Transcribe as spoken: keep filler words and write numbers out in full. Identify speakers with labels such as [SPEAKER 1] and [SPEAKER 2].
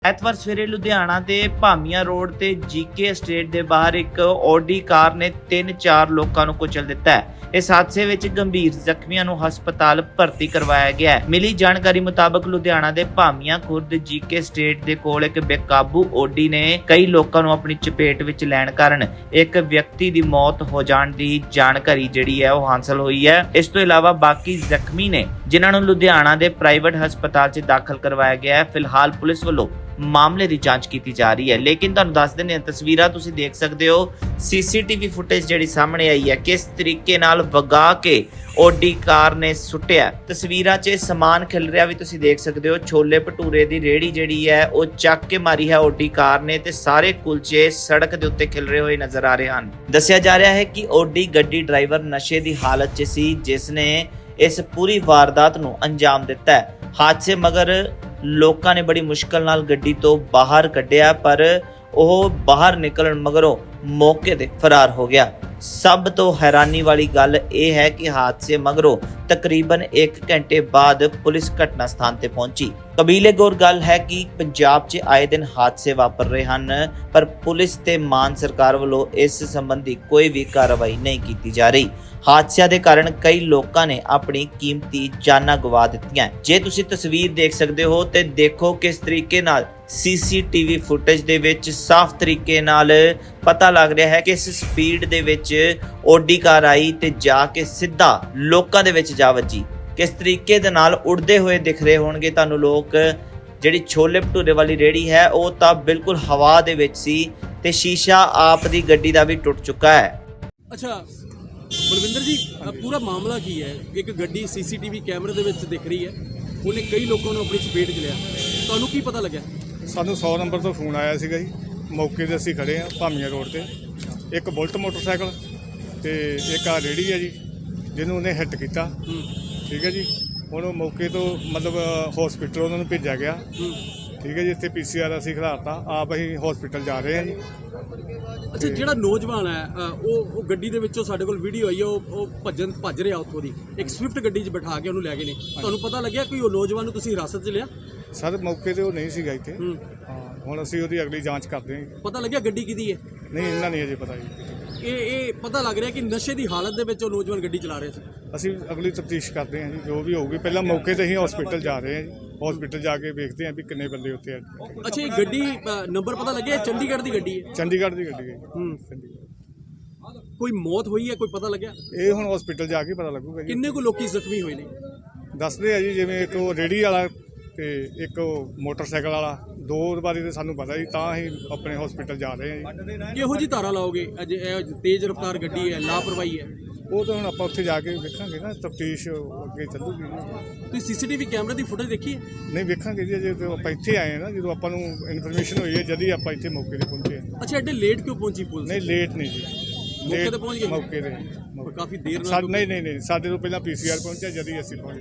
[SPEAKER 1] ਐਤਵਾਰ ਸਵੇਰੇ ਲੁਧਿਆਣਾ ਦੇ ਭਾਮੀਆਂ ਰੋਡ ਤੇ ਜੀਕੇ estate ਦੇ ਬਾਹਰ ਇੱਕ ਆਡੀ ਕਾਰ ਨੇ ਤਿੰਨ ਚਾਰ ਲੋਕਾਂ ਨੂੰ ਕੁਚਲ ਦਿੱਤਾ ਹੈ। ਇਸ ਹਾਦਸੇ ਵਿੱਚ ਗੰਭੀਰ ਜ਼ਖਮੀਆਂ ਨੂੰ ਹਸਪਤਾਲ ਭਰਤੀ ਕਰਵਾਇਆ ਗਿਆ ਹੈ। ਮਿਲੀ ਜਾਣਕਾਰੀ ਮੁਤਾਬਕ ਲੁਧਿਆਣਾ ਦੇ ਭਾਮੀਆਂ ਖੁਰਦ ਜੀਕੇ estate ਦੇ ਕੋਲ ਇੱਕ ਬੇਕਾਬੂ ਆਡੀ ਨੇ ਕਈ ਲੋਕਾਂ ਨੂੰ ਆਪਣੀ ਚਪੇਟ ਵਿੱਚ ਲੈਣ ਕਾਰਨ ਇੱਕ ਵਿਅਕਤੀ ਦੀ ਮੌਤ ਹੋ ਜਾਣ ਦੀ ਜਾਣਕਾਰੀ ਜਿਹੜੀ ਹੈ ਉਹ ਹਾਸਲ ਹੋਈ ਹੈ। ਇਸ ਤੋਂ ਇਲਾਵਾ ਬਾਕੀ ਜ਼ਖਮੀ ਨੇ ਜਿਨ੍ਹਾਂ ਨੂੰ ਲੁਧਿਆਣਾ ਦੇ ਪ੍ਰਾਈਵੇਟ ਹਸਪਤਾਲ 'ਚ ਦਾਖਲ ਕਰਵਾਇਆ ਗਿਆ ਹੈ। ਫਿਲਹਾਲ ਪੁਲਿਸ ਵੱਲੋਂ ਮਾਮਲੇ ਦੀ ਜਾਂਚ ਕੀਤੀ ਜਾ ਰਹੀ ਹੈ। ਲੇਕਿਨ ਤੁਹਾਨੂੰ ਦੱਸ ਦਿੰਦੇ ਹਾਂ, ਤਸਵੀਰਾਂ ਤੁਸੀਂ ਦੇਖ ਸਕਦੇ ਹੋ, ਸੀਸੀਟੀਵੀ ਫੁਟੇਜ ਜਿਹੜੀ ਸਾਹਮਣੇ ਆਈ ਹੈ ਕਿਸ ਤਰੀਕੇ ਨਾਲ ਵਗਾ ਕੇ ਆਡੀ ਕਾਰ ਨੇ ਸੁੱਟਿਆ। ਤਸਵੀਰਾਂ 'ਚ ਸਮਾਨ ਖਿਲ ਰਿਹਾ ਵੀ ਤੁਸੀਂ ਦੇਖ ਸਕਦੇ ਹੋ। ਛੋਲੇ ਭਟੂਰੇ ਦੀ ਰੇਹੜੀ ਜਿਹੜੀ ਹੈ ਉਹ ਚੱਕ ਕੇ ਮਾਰੀ ਹੈ ਆਡੀ ਕਾਰ ਨੇ ਤੇ ਸਾਰੇ ਕੁਲਚੇ ਸੜਕ ਦੇ ਉੱਤੇ ਖਿਲ ਰਹੇ ਹੋਏ ਨਜ਼ਰ ਆ ਰਹੇ ਹਨ। ਦੱਸਿਆ ਜਾ ਰਿਹਾ ਹੈ ਕਿ ਆਡੀ ਗੱਡੀ ਡਰਾਈਵਰ ਨਸ਼ੇ ਦੀ ਹਾਲਤ 'ਚ ਸੀ ਜਿਸ ਨੇ ਇਸ ਪੂਰੀ ਵਾਰਦਾਤ ਨੂੰ ਅੰਜਾਮ ਦਿੱਤਾ ਹੈ। ਹਾਦਸੇ ਮਗਰ ਲੋਕਾਂ ਨੇ ਬੜੀ ਮੁਸ਼ਕਲ ਨਾਲ ਗੱਡੀ ਤੋਂ ਬਾਹਰ ਕੱਢਿਆ ਪਰ ਉਹ ਬਾਹਰ ਨਿਕਲਣ ਮਗਰੋਂ ਮੌਕੇ ਤੇ ਫਰਾਰ ਹੋ ਗਿਆ। ਸਭ ਤੋਂ ਹੈਰਾਨੀ ਵਾਲੀ ਗੱਲ ਇਹ ਹੈ ਕਿ ਹਾਦਸੇ ਮਗਰੋਂ ਤਕਰੀਬਨ ਇੱਕ ਘੰਟੇ ਬਾਅਦ ਪੁਲਿਸ ਘਟਨਾ ਸਥਾਨ ਤੇ ਪਹੁੰਚੀ। ਕਬੀਲੇ ਗੌਰ ਗੱਲ ਹੈ ਕਿ ਪੰਜਾਬ 'ਚ ਆਏ ਦਿਨ ਹਾਦਸੇ ਵਾਪਰ ਰਹੇ ਹਨ ਪਰ ਪੁਲਿਸ ਤੇ ਮਾਨ ਸਰਕਾਰ ਵੱਲੋਂ ਇਸ ਸੰਬੰਧੀ ਕੋਈ ਵੀ ਕਾਰਵਾਈ ਨਹੀਂ ਕੀਤੀ ਜਾ ਰਹੀ। ਹਾਦਸਿਆਂ ਦੇ ਕਾਰਨ ਕਈ ਲੋਕਾਂ ਨੇ ਆਪਣੀ ਕੀਮਤੀ ਜਾਨਾਂ ਗਵਾ ਦਿੱਤੀਆਂ। ਜੇ ਤੁਸੀਂ ਤਸਵੀਰ ਦੇਖ ਸਕਦੇ ਹੋ ਤੇ ਦੇਖੋ ਕਿਸ ਤਰੀਕੇ ਨਾਲ ਸੀਸੀਟੀਵੀ ਫੁਟੇਜ ਦੇ ਵਿੱਚ ਸਾਫ਼ ਤਰੀਕੇ ਨਾਲ ਪਤਾ ਲੱਗ ਰਿਹਾ ਹੈ ਕਿ ਇਸ ਸਪੀਡ ਦੇ ਵਿੱਚ ਆਡੀ ਕਾਰ ਆਈ ਤੇ ਜਾ ਕੇ ਸਿੱਧਾ ਲੋਕਾਂ ਦੇ ਵਿੱਚ ਜਾ ਵੱਜੀ। ਕਿਸ ਤਰੀਕੇ ਦੇ ਨਾਲ ਉੜਦੇ ਹੋਏ ਦਿਖ ਰਹੇ ਹੋਣਗੇ ਤੁਹਾਨੂੰ ਲੋਕ। ਜਿਹੜੀ ਛੋਲੇ ਭਟੂਰੇ ਵਾਲੀ ਰੇਹੜੀ ਹੈ ਉਹ ਤਾਂ ਬਿਲਕੁਲ ਹਵਾ ਦੇ ਵਿੱਚ ਸੀ ਤੇ ਸ਼ੀਸ਼ਾ ਆਪ ਦੀ ਗੱਡੀ ਦਾ ਵੀ ਟੁੱਟ ਚੁੱਕਾ ਹੈ।
[SPEAKER 2] ਅੱਛਾ ਬਲਵਿੰਦਰ ਜੀ, ਪੂਰਾ ਮਾਮਲਾ ਕੀ ਹੈ? ਇੱਕ ਗੱਡੀ ਸੀਸੀਟੀਵੀ ਕੈਮਰੇ ਦੇ ਵਿੱਚ ਦਿਖ ਰਹੀ ਹੈ, ਉਹਨੇ ਕਈ ਲੋਕਾਂ ਨੂੰ ਆਪਣੀ ਚਪੇਟ 'ਚ ਲਿਆ, ਤੁਹਾਨੂੰ ਕੀ ਪਤਾ ਲੱਗਿਆ?
[SPEAKER 3] ਸਾਨੂੰ ਸੌ ਨੰਬਰ ਤੋਂ ਫੋਨ ਆਇਆ ਸੀਗਾ ਜੀ। ਮੌਕੇ 'ਤੇ ਅਸੀਂ ਖੜੇ ਹਾਂ ਭਾਮੀਆਂ ਰੋਡ ਤੇ। ਇੱਕ ਬੁਲਟ ਮੋਟਰਸਾਈਕਲ ਤੇ ਇੱਕ ਆ ਰੇਹੜੀ ਹੈ ਜੀ ਜਿਹਨੂੰ ਉਹਨੇ ਹਿੱਟ ਕੀਤਾ। ਠੀਕ ਹੈ ਜੀ, ਹੁਣ ਉਹ ਮੌਕੇ ਤੋਂ ਮਤਲਬ ਹਸਪੀਟਲ ਉਹਨਾਂ ਨੂੰ ਭੇਜਿਆ ਗਿਆ। ਠੀਕ ਹੈ ਜੀ, ਇੱਥੇ ਪੀ ਸੀ ਆਰ ਅਸੀਂ ਖਿਲਾਰਤਾ, ਆਪ ਅਸੀਂ ਹਸਪੀਟਲ ਜਾ ਰਹੇ ਹਾਂ ਜੀ।
[SPEAKER 2] ਅੱਛਾ, ਜਿਹੜਾ ਨੌਜਵਾਨ ਹੈ ਉਹ ਉਹ ਗੱਡੀ ਦੇ ਵਿੱਚੋਂ ਸਾਡੇ ਕੋਲ ਵੀਡੀਓ ਆਈ ਹੈ, ਉਹ ਉਹ ਭੱਜਣ ਭੱਜ ਰਿਹਾ ਉੱਥੋਂ ਦੀ, ਇੱਕ ਸਵਿਫਟ ਗੱਡੀ 'ਚ ਬਿਠਾ ਕੇ ਉਹਨੂੰ ਲੈ ਗਏ ਨੇ। ਤੁਹਾਨੂੰ ਪਤਾ ਲੱਗਿਆ ਕੋਈ ਉਹ ਨੌਜਵਾਨ ਨੂੰ ਤੁਸੀਂ ਹਿਰਾਸਤ 'ਚ ਲਿਆ?
[SPEAKER 3] ਸਰ ਮੌਕੇ 'ਤੇ ਉਹ ਨਹੀਂ ਸੀਗਾ ਇੱਥੇ। ਹਾਂ, ਹੁਣ ਅਸੀਂ ਉਹਦੀ ਅਗਲੀ ਜਾਂਚ ਕਰਦੇ ਹਾਂ।
[SPEAKER 2] ਪਤਾ ਲੱਗਿਆ ਗੱਡੀ ਕਿਹਦੀ ਹੈ?
[SPEAKER 3] ਨਹੀਂ, ਇਹਨਾਂ ਨਹੀਂ ਅਜੇ ਪਤਾ ਜੀ।
[SPEAKER 2] ਇਹ ਇਹ ਪਤਾ ਲੱਗ ਰਿਹਾ ਕਿ ਨਸ਼ੇ ਦੀ ਹਾਲਤ ਦੇ ਵਿੱਚ ਉਹ ਨੌਜਵਾਨ ਗੱਡੀ ਚਲਾ ਰਿਹਾ ਸੀ।
[SPEAKER 3] ਅਸੀਂ ਅਗਲੀ ਤਫਤੀਸ਼ ਕਰਦੇ ਹਾਂ ਜੀ, ਜੋ ਵੀ ਹੋਊਗੀ। ਪਹਿਲਾਂ ਮੌਕੇ 'ਤੇ ਹੀ ਹਸਪੀਟਲ ਜਾ ਰਹੇ ਹਾਂ ਜੀ। ਹਸਪੀਟਲ ਜਾ ਕੇ ਵੇਖਦੇ ਹਾਂ ਵੀ ਕਿੰਨੇ ਬੰਦੇ ਉੱਥੇ ਆ।
[SPEAKER 2] ਅੱਛਾ, ਇਹ ਗੱਡੀ ਨੰਬਰ ਪਤਾ ਲੱਗਿਆ ਚੰਡੀਗੜ੍ਹ ਦੀ ਗੱਡੀ ਹੈ?
[SPEAKER 3] ਚੰਡੀਗੜ੍ਹ ਦੀ ਗੱਡੀ ਹੈ।
[SPEAKER 2] ਹੂੰ,
[SPEAKER 3] ਚੰਡੀਗੜ੍ਹ।
[SPEAKER 2] ਕੋਈ ਮੌਤ ਹੋਈ ਹੈ, ਕੋਈ ਪਤਾ ਲੱਗਿਆ?
[SPEAKER 3] ਇਹ ਹੁਣ ਹਸਪੀਟਲ ਜਾ ਕੇ ਪਤਾ ਲੱਗੂਗਾ ਜੀ।
[SPEAKER 2] ਕਿੰਨੇ ਕੁ ਲੋਕੀ ਜ਼ਖਮੀ ਹੋਏ ਨੇ?
[SPEAKER 3] ਦੱਸਦੇ ਆ ਜੀ, ਜਿਵੇਂ ਇੱਕ ਉਹ ਰੇਹੜੀ ਵਾਲਾ ਤੇ ਇੱਕ ਉਹ ਮੋਟਰਸਾਈਕਲ ਵਾਲਾ। ਦੋ ਬਾਰੇ ਤਾਂ ਸਾਨੂੰ ਪਤਾ ਜੀ, ਤਾਂ ਹੀ ਆਪਣੇ ਹਸਪੀਟਲ ਜਾ ਰਹੇ ਹਾਂ ਜੀ।
[SPEAKER 2] ਕਿਹੋ ਜੀ ਧਾਰਾ ਲਾਓਗੇ? ਅਜੇ ਇਹ ਤੇਜ਼ ਰਫ਼ਤਾਰ ਗੱਡੀ ਹੈ, ਲਾਪਰਵਾਹੀ ਹੈ?
[SPEAKER 3] ਉਹ ਤਾਂ ਹੁਣ ਆਪਾਂ ਉੱਥੇ ਜਾ ਕੇ ਵੇਖਾਂਗੇ ਨਾ, ਤਫਤੀਸ਼ ਅੱਗੇ ਚੱਲੂਗੀ ਜੀ।
[SPEAKER 2] ਤੁਸੀਂ ਸੀਸੀਟੀਵੀ ਕੈਮਰੇ ਦੀ ਫੁਟੇਜ ਦੇਖੀ ਹੈ?
[SPEAKER 3] ਨਹੀਂ ਵੇਖਾਂਗੇ ਜੀ, ਅਜੇ ਤਾਂ ਆਪਾਂ ਇੱਥੇ ਆਏ ਹਾਂ ਨਾ, ਜਦੋਂ ਆਪਾਂ ਨੂੰ ਇਨਫੋਰਮੇਸ਼ਨ ਹੋਈ ਹੈ ਜਦ ਹੀ ਆਪਾਂ ਇੱਥੇ ਮੌਕੇ 'ਤੇ ਪਹੁੰਚੇ ਹਾਂ।
[SPEAKER 2] ਅੱਛਾ, ਐਡੇ ਲੇਟ ਕਿਉਂ ਪਹੁੰਚੀ ਪੁਲਿਸ?
[SPEAKER 3] ਨਹੀਂ ਲੇਟ ਨਹੀਂ ਜੀ,
[SPEAKER 2] ਮੌਕੇ 'ਤੇ ਪਹੁੰਚ ਗਏ?
[SPEAKER 3] ਮੌਕੇ 'ਤੇ
[SPEAKER 2] ਕਾਫੀ ਦੇਰ ਨਾਲ?
[SPEAKER 3] ਸਾਡੇ ਨਹੀਂ ਨਹੀਂ ਨਹੀਂ ਸਾਡੇ ਤੋਂ ਪਹਿਲਾਂ ਪੀ ਸੀ ਆਰ ਪਹੁੰਚਿਆ ਜਦ ਹੀ ਅਸੀਂ ਪਹੁੰਚੇ।